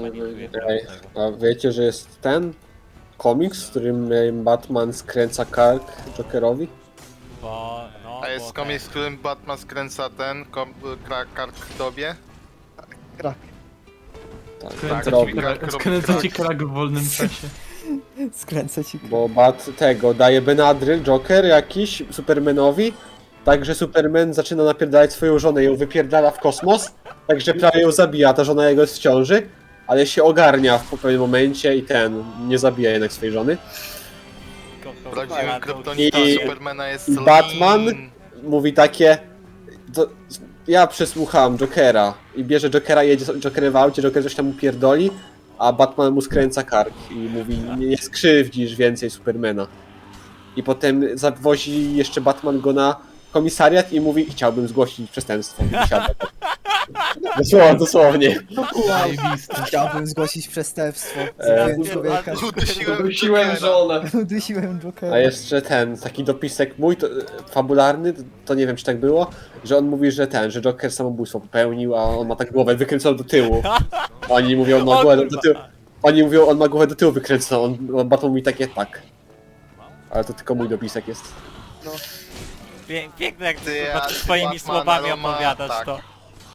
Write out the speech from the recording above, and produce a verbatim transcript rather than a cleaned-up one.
manipuluje Ej, tego. a wiecie, że jest ten komiks, w którym Batman skręca kark Jokerowi? Bo, no, A jest bo komiks, w którym Batman skręca ten kom, kra, kark tobie? Krak. Tak, Tak, robi. czyli kark robi Skręca ci krak. krak w wolnym czasie. Skręcę ci. Bo Bat tego daje Benadryl, Joker jakiś Supermanowi, także Superman zaczyna napierdalać swoją żonę, ją wypierdala w kosmos, także prawie ją zabija, ta żona jego jest w ciąży, ale się ogarnia w pewnym momencie i ten, nie zabija jednak swojej żony. ko- ko- Prawdziwym ko- kryptonitą I- Supermana jest i Selin. Batman mówi takie, to, ja przesłuchałem Jokera i bierze Jokera, jedzie z Jokerem w aucie, Joker coś tam mu pierdoli, a Batman mu skręca kark i mówi, nie, nie skrzywdzisz więcej Supermana. I potem zawozi jeszcze Batman go na komisariat i mówi, chciałbym zgłosić przestępstwo. I siada. Dosłownie, dosłownie. Zajebiste. Chciałbym zgłosić przestępstwo. E, Zabiłem człowieka. Udusiłem Udusiłem Jokera. żonę. Udusiłem Jokera. A jeszcze ten, taki dopisek mój, to, fabularny, to nie wiem czy tak było, że on mówi, że ten, że Joker samobójstwo popełnił, a on ma tak głowę wykręconą do tyłu. Oni mówią, on ma O głowę do kurwa. tyłu. Oni mówią, on ma głowę do tyłu wykręconą, on, on Batman mówi takie tak. Ale to tylko mój dopisek jest. Pie- Piękne jak Ty, ty, a swoimi Batman, słowami ale ma- opowiadasz tak. to.